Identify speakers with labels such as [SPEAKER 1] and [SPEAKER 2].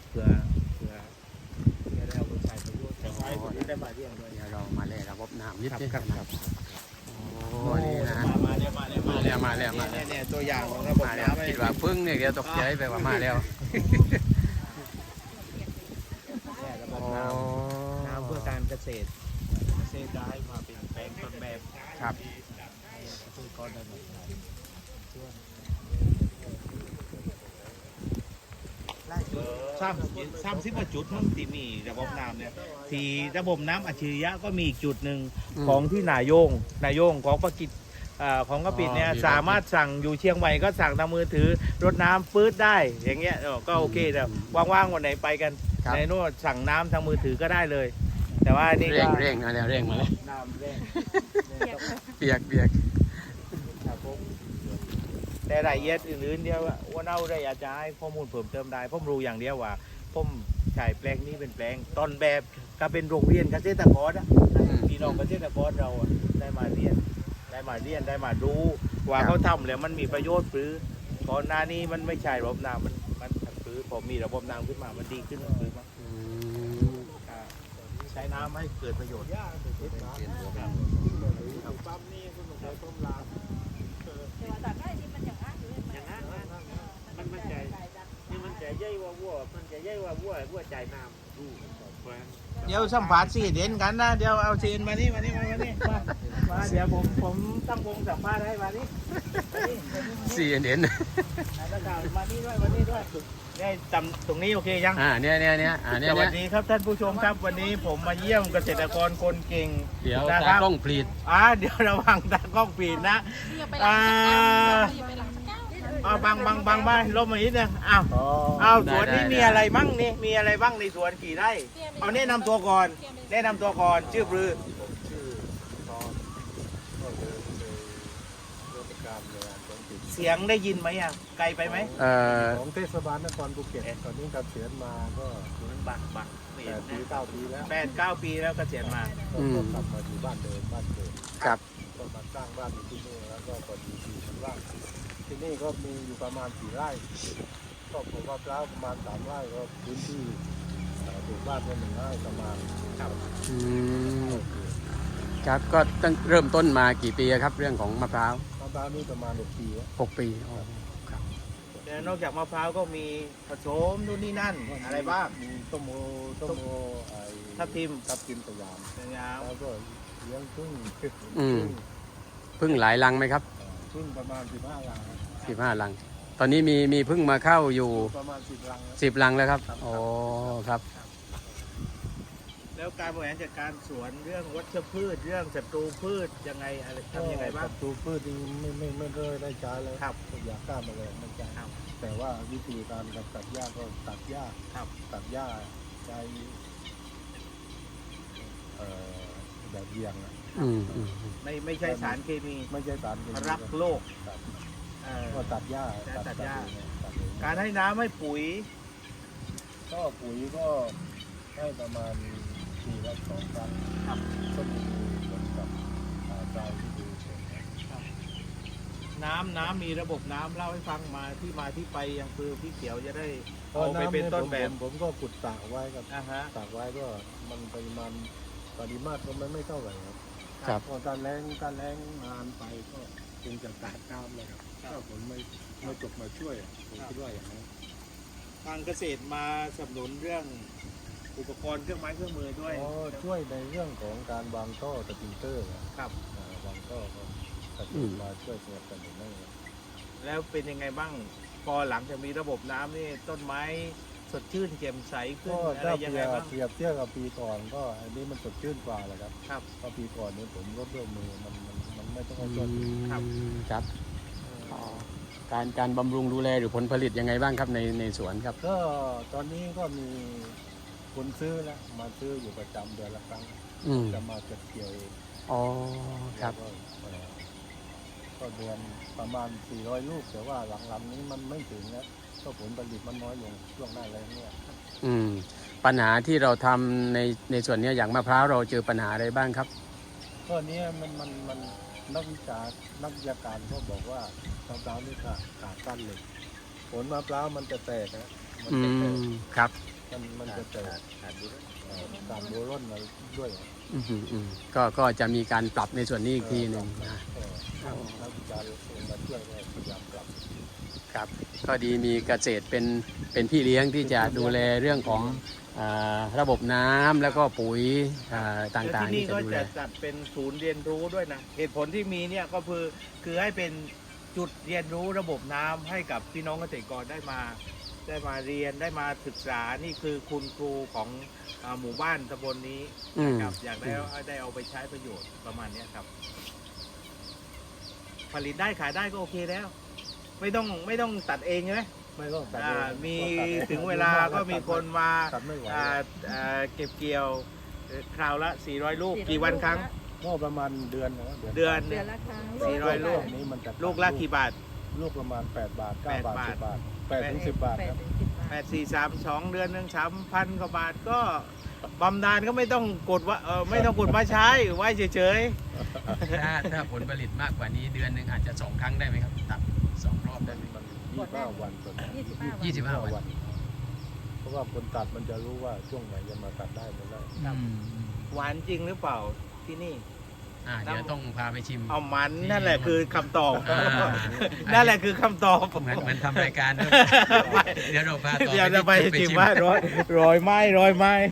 [SPEAKER 1] เพื่อได้เอาไปใช้ประโยชน์แต่ว่าให้ได้มาเรียงด้วย
[SPEAKER 2] เดี๋ยวเรามาเล่นระบบน้ำนิด
[SPEAKER 1] ครับ
[SPEAKER 2] นึง
[SPEAKER 1] ครับ
[SPEAKER 2] นะครับโอ้นี่นะ
[SPEAKER 1] มาแล้วเนี่ยตัวอย่างของระบบ
[SPEAKER 2] มาแล้ว
[SPEAKER 1] น้ำ
[SPEAKER 2] คิดว่าพึ่งเนี่ยเดี๋ยวตกใจไปว่ามาแล้ว
[SPEAKER 1] เนี่ยระบบน้ำเพื่อการเกษตรได้มาเป็นแปลงต้นแบบ
[SPEAKER 2] ครับ
[SPEAKER 1] ซึ่งก้อนได้หมด30 กว่าจุดทั้งที่มีระบบน้ำเนี่ยที่ระบบน้ำอัจฉริยะก็มีอีกจุดหนึ่งของที่นายงของประกิจของกระปิดเนี่ยสามารถสั่งอยู่เชียงใหม่ก็สั่งทางมือถือรถน้ำปื๊ดได้อย่างเงี้ยก็โอเคแต่ว่างๆวันไหนไปกันในโน่นสั่งน้ำทางมือถือก็ได้เลย แต่ว่านี่
[SPEAKER 2] เร่งมาแล้วเร่งมาแล้ว
[SPEAKER 1] น้ำเร่ง
[SPEAKER 2] เปียก
[SPEAKER 1] ครับผมแต่รายละเอียดอื่นๆเดียวว่าเอาได้อาจจะให้ข้อมูลเพิ่มเติมได้ผมรู้อย่างเดียวว่าผมใช้แปลงนี้เป็นแปลงต้นแบบก็เป็นโรงเรียนเกษตรกรพี่น้องเกษตรกรเราได้มาเรียนได้มาดูว่าเขาทำแล้วมันมีประโยชน์หรือก่อนหน้านี้มันไม่ใช่ระบบน้ำมันหรือพอมีระบบน้ำขึ้นมามันดีขึ้นหรือมั้งใช้น้ำให้เกิดประโยชน์ปั๊มนี่คุณหนุ่มเลยต้มลามันใจนี่มันใจใหญ่ว่าวัวมันใจใหญ่ว่าวัวใจน้ำเดี๋ยวสัมผัสสีเด่นกันนะเดี๋ยวเอาซีนมานี่มาเดี๋ยวผมตั้งวงสัมภาษณ์ให้มานี่
[SPEAKER 2] CNN
[SPEAKER 1] มานี่ด้วยได้จำตรงนี้โอเคยัง
[SPEAKER 2] เนี่ย
[SPEAKER 1] สวัสดีครับท่านผู้ชมครับวันนี้ผมมาเยี่ยมเกษตรกรคนเก่ง
[SPEAKER 2] เดี๋ยว
[SPEAKER 1] นะค
[SPEAKER 2] ตา
[SPEAKER 1] รับ
[SPEAKER 2] กล้องผลิต
[SPEAKER 1] เดี๋ยวระวังตากล้องปีนนะบังบ้านลมมานิดนึงสวนนี้มีอะไรบ้างนี่มีอะไรบ้างในสวนกี่ไร่เอาแนะนำตัวก่อนชื่อปรือเสียงได้ยินไหมไกลไปไหม
[SPEAKER 3] ของเทศบาลนครภูเก็ตตอนนี้เกษียณมาก็
[SPEAKER 1] บัก
[SPEAKER 3] 8 ปี 9 ปีแล้ว
[SPEAKER 1] 8-9 ปีแล้วเกษียณมา
[SPEAKER 3] ก็กลับมาอยู่บ้านเดิม
[SPEAKER 2] ครับ
[SPEAKER 3] ก็มาสร้างบ้านอยู่ที่นี่แล้วก็พอดีที่ว่างที่นี่ก็มีอยู่ประมาณ4 ไร่ก็ปลูกมะพร้าวประมาณ3 ไร่ก็พื้นที่ปลูกบ้านก็1 ไร่ประมาณ
[SPEAKER 2] ครับก็ตั้งเริ่มต้นมากี่ปีครับเรื่องของมะพร้าว
[SPEAKER 3] นี่ประมาณ6 ปี
[SPEAKER 2] 6 ปีครับ
[SPEAKER 1] นอกจากมะพร้าวก็มีผสมนู่นนี่นั่นอะไรบ้าง
[SPEAKER 3] มีต้มโอ
[SPEAKER 1] ทับทิม
[SPEAKER 3] สยามแล้วก็เลี้ยงพึ่
[SPEAKER 2] งหลายรังไหมครับ
[SPEAKER 3] พึ่งประมาณ15 รัง
[SPEAKER 2] 15 รังตอนนี้มีพึ่งมาเข้าอยู่
[SPEAKER 3] ประมาณ10 รัง
[SPEAKER 2] 10 รังแล้วครับโอ้ครับ
[SPEAKER 1] แล้วการบริหารจัดการสวนเรื่องวัชพืชเรื่องศัตรูพืชยังไงอะไรทำยังไงบ้าง
[SPEAKER 3] ศัตรูพืชไม่ได้ใช้เลยครับอยากฆ่าแมลงไม่ใช่แต่ว่าวิธีการตัดหญ้าก็ตัดหญ้าใช้แบบเบี่ยง
[SPEAKER 1] ไม่ใช่สารเคมีรักโลก
[SPEAKER 3] ก็ตัดหญ้า
[SPEAKER 1] การให้น้ำให้ปุ๋ย
[SPEAKER 3] ก็ให้ประมาณปีละ2 ครั้งก็มีเหมือนกับใจที่ดี
[SPEAKER 1] น้ำมีระบบน้ำเล่าให้ฟังมาที่ไปยังคือพี่เขียวจะได้เอาไปเป็นต้นแบบ
[SPEAKER 3] ผมก็ขุดสระไว้ครับสระไว้ก็มันปริมาตรก็ไม่เท่าไหร่ครับพอการแรงนานไปก็คงจะขาดน้ำเลยครับถ้าผมไม่จบมาช่วยผมคิดว่าอย่างนั้น
[SPEAKER 1] ทางเกษตรมาสนับสนุนเรื่องอุปกรณ์เครื่องไม้เครื่องมือด้วย
[SPEAKER 3] ช่วยในเรื่องของการวางท่อสปริงเกอร์
[SPEAKER 1] ครับ
[SPEAKER 3] วางท่อก็มาช่วยสนับสนุนได้
[SPEAKER 1] แล้วเป็นยังไงบ้างพอหลังจากมีระบบน้ำนี่ต้นไม้สดชื่นแจ่มใสขึ้นอะไรยังไงบ้าง
[SPEAKER 3] เปรียบเทียบกับปีก่อนก็อันนี้มันสดชื่นกว่าแหละครับเพราะปีก่อนนี้ผมลดเรื่องมือมันไม่ต้องช่วย
[SPEAKER 2] ครับการบำรุงดูแลหรือผลผลิตยังไงบ้างครับในสวนครับ
[SPEAKER 3] ก็ตอนนี้ก็มีคนซื้อแล้วมาซื้ออยู่ประจำเดือนละครั้งจะมาเก็บเกี่ยวเอง
[SPEAKER 2] ครับ
[SPEAKER 3] ก็เดือนประมาณ400 ลูกแต่ว่าหลังๆนี้มันไม่ถึงแล้วก็ผลผลิตมันน้อยลงช่วงหน้าแล้งเนี่ย
[SPEAKER 2] ปัญหาที่เราทำในส่วนนี้อย่างมะพร้าวเราเจอปัญหาอะไรบ้างครับ
[SPEAKER 3] ก็นี้มันนักวิชาการก็บอกว่ามะพร้าวนี่ขาดกั้นเหล็กผลมะพร้าวมันจะแตกนะ
[SPEAKER 2] ครับ
[SPEAKER 3] มันจะเจอสารโบรอนมาด้วย
[SPEAKER 2] ก็จะมีการปรับในส่วนนี้อีกทีหนึ่งนะ
[SPEAKER 3] นักวิจารณ์มาช่วยพยายามปรับ
[SPEAKER 2] ครับก็ดีมีเกษตรเป็นพี่เลี้ยงที่จะดูแลเรื่องของระบบน้ำแล้วก็ปุ๋ยต่างๆ
[SPEAKER 1] ที่
[SPEAKER 2] ที่
[SPEAKER 1] นี่
[SPEAKER 2] จะ
[SPEAKER 1] ก็
[SPEAKER 2] ดูแล
[SPEAKER 1] จะจัดเป็นศูนย์เรียนรู้ด้วยนะเหตุผลที่มีเนี่ยก็คือให้เป็นจุดเรียนรู้ระบบน้ำให้กับพี่น้องเกษตรกรได้มาเรียนได้มาศึกษานี่คือคุณครูของหมู่บ้านตำบลนี้นะครับอยากได้เอาไปใช้ประโยชน์ประมาณเนี้ยครับ ผลิตได้ขายได้ก็โอเคแล้ว ไม่ต้องตัดเองใช่ไหม
[SPEAKER 3] ไม่ต้องตัด
[SPEAKER 1] มีถึงเวลาก็มีคนมา
[SPEAKER 3] ตัดไม่ไหว
[SPEAKER 1] เก็บเกี่ยวคราวละ400 ลูกกี่วันครั้ง
[SPEAKER 3] ก็ประมาณเดือนนะ
[SPEAKER 1] เดือน
[SPEAKER 4] เดือนละครั้ง
[SPEAKER 1] 400 ลูก
[SPEAKER 3] นี้มันจะ
[SPEAKER 1] ลูกละกี่บาท
[SPEAKER 3] ลูกประมาณ8 บาท 9 บาท
[SPEAKER 1] 8
[SPEAKER 3] 10 บาท8 ถึง 10 บาท
[SPEAKER 4] 8
[SPEAKER 3] ครับ
[SPEAKER 4] ถึง 10 บาท
[SPEAKER 1] 8 4 3 2 เดือนหนึ่ง3,000 กว่าบาทก็บำนาญก็ไม่ต้องกดว่าไม่ต้องกดมาใช้ไว้เฉย
[SPEAKER 2] ถ้าผลผลิตมากกว่านี้เดือนหนึ่งอาจจะ2 ครั้งได้ไหมครับตัด2 รอบได้ไหม
[SPEAKER 3] มัน25 วันส่วน
[SPEAKER 4] 25 วัน
[SPEAKER 2] 25 วัน
[SPEAKER 3] เพราะว่าคนตัดมันจะรู้ว่าช่วงไหนจะมาตัดได้ไม่ได้
[SPEAKER 1] ๆ หวานจริงหรือเปล่าที่นี่
[SPEAKER 2] เดี๋ยวต้องพาไปชิม
[SPEAKER 1] เอามันนั่นแหละคือคำตอบ
[SPEAKER 2] อ่า
[SPEAKER 1] นั่นแหละคือคำตอบ
[SPEAKER 2] เหมือนทำรายการด้วยเดี๋ยวเราพาต่อ
[SPEAKER 1] เดี๋ยวจะไป
[SPEAKER 2] ที่
[SPEAKER 1] ชิมว่าร้อยไม้